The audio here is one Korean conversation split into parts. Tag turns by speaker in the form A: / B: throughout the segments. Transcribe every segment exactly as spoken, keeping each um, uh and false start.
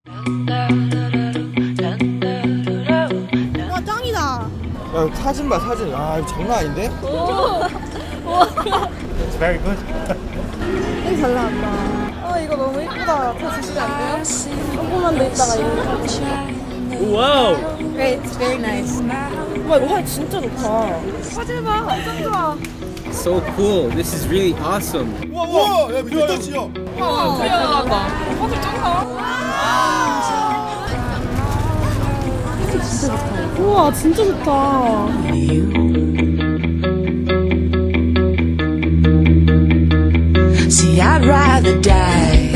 A: 와 짱이다.
B: 야 사진 봐 사진. 아 이거 장난 아닌데?
C: It's very good.
A: 되게 잘 나왔다. 아 이거 너무 이쁘다. 더 주시면 안 돼요? 조금만 더 있다가 이거.
C: 와우.
A: Great, it's very nice. 와 이거 화질 진짜 좋다. 화질 봐, 완전 좋아.
D: So cool. This is really awesome.
B: 우와 우와 야 미쳤다 진짜.
A: 와, 잘 나왔다. 화질 짱나. 진짜 좋다. 우와 진짜 좋다.
E: See, I'd rather die.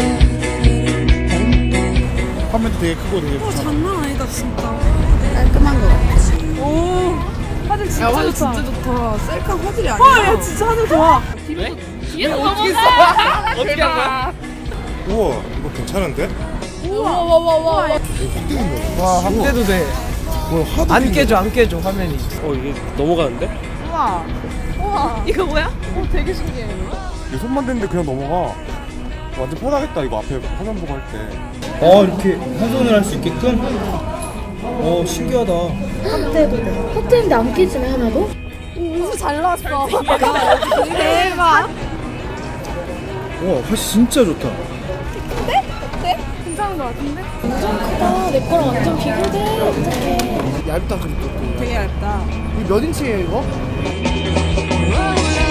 C: 화면도 되게 크고 되게 좋아.
A: 장난 아니다 진짜. 깔끔한 거 같아. 오 화질 진짜 좋다. 진짜 좋다. 셀카 화질이 아니야. 와, 야 진짜 화질 좋아.
F: 뒤에서 어떻게 했어?
D: 어떻게 한 거야?
C: 우와, 이거 괜찮은데?
A: 우와 와와와.
B: 와 함대도 돼.
C: 뭐 하도
B: 안 깨져 안 깨져 화면이.
D: 어 이게 넘어가는데?
A: 우와. 우와. 이거 뭐야? 오 되게 신기해.
C: 내 손만 대는데 그냥 넘어가. 완전 편하겠다 이거 앞에 화면 보고 할 때.
B: 어 이렇게 한 손을 할 수 있게끔. 어 신기하다.
G: 호텔인데 안 깨지네 하나도?
A: 진짜 잘 나왔어. 대박.
B: 와 화질 진짜 좋다.
A: 괜찮은 거 같은데?
G: 크다. 내 거랑 완전 비교돼. 어떡해.
B: 얇다 그리고 또.
A: 되게 얇다.
B: 이몇 인치예요 이거?
E: Oh,